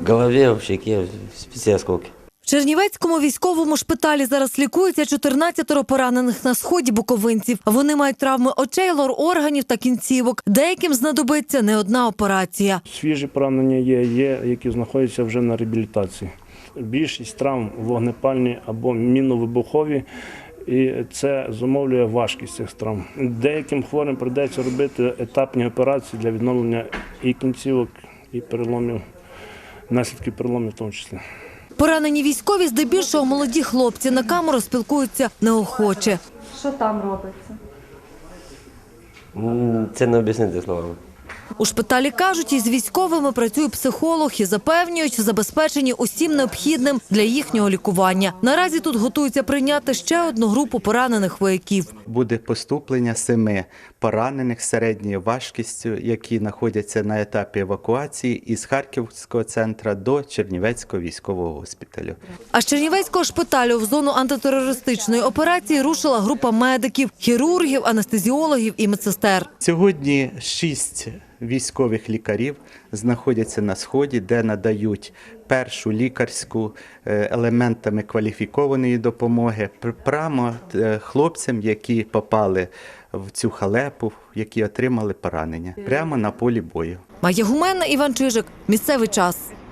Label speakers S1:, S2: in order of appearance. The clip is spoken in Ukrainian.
S1: В голове, в щеке, все осколки.
S2: В Чернівецькому військовому шпиталі зараз лікується 14 поранених на сході буковинців. Вони мають травми очей, лор-органів та кінцівок. Деяким знадобиться не одна операція.
S3: Свіжі поранення є, які знаходяться вже на реабілітації. Більшість травм вогнепальні або міновибухові, і це зумовлює важкість цих травм. Деяким хворим прийдеться робити етапні операції для відновлення і кінцівок, і переломів, наслідків переломів в тому числі.
S2: Поранені військові здебільшого молоді хлопці. На камеру спілкуються неохоче.
S4: Що там робиться?
S1: Це не об'яснити словами.
S2: У шпиталі кажуть, із військовими працює психолог і запевнюють, забезпечені усім необхідним для їхнього лікування. Наразі тут готуються прийняти ще одну групу поранених вояків.
S5: Буде поступлення 7 поранених з середньою важкістю, які знаходяться на етапі евакуації із Харківського центру до Чернівецького військового госпіталю.
S2: А з Чернівецького шпиталю в зону антитерористичної операції рушила група медиків, хірургів, анестезіологів і медсестер.
S5: Сьогодні 6 військових лікарів знаходяться на Сході, де надають першу лікарську елементами кваліфікованої допомоги прямо хлопцям, які попали в цю халепу, які отримали поранення прямо на полі бою.
S2: Майя Гуменна, Іван Чижик. Місцевий час.